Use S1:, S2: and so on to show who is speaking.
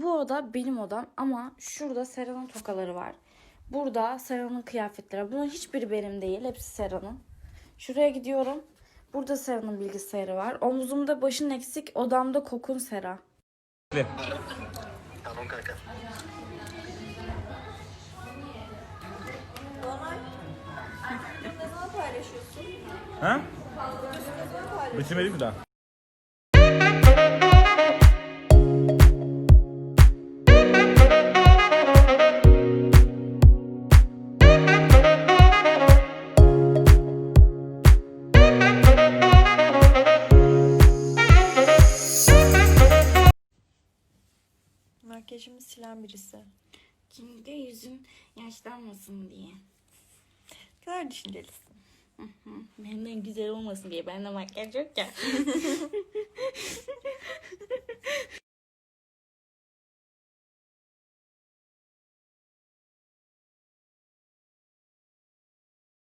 S1: bu oda benim odam ama şurada Sera'nın tokaları var. Burada Sera'nın kıyafetleri. Bunların hiçbiri benim değil. Hepsi Sera'nın. Şuraya gidiyorum. Burada Sera'nın bilgisayarı var. Omzumda başın eksik, odamda kokun Sera.
S2: Tamam kanka.
S3: Ne zaman paylaşıyorsun?
S4: Ha?
S3: Ne zaman paylaşıyorsun?
S4: Bitirmedi mi daha?
S3: Makyajımı silen birisi.
S1: Çünkü yüzün yaşlanmasın diye.
S3: Ne kadar düşüncelisin.
S1: Benden güzel olmasın diye. Bende makyaj yok ya.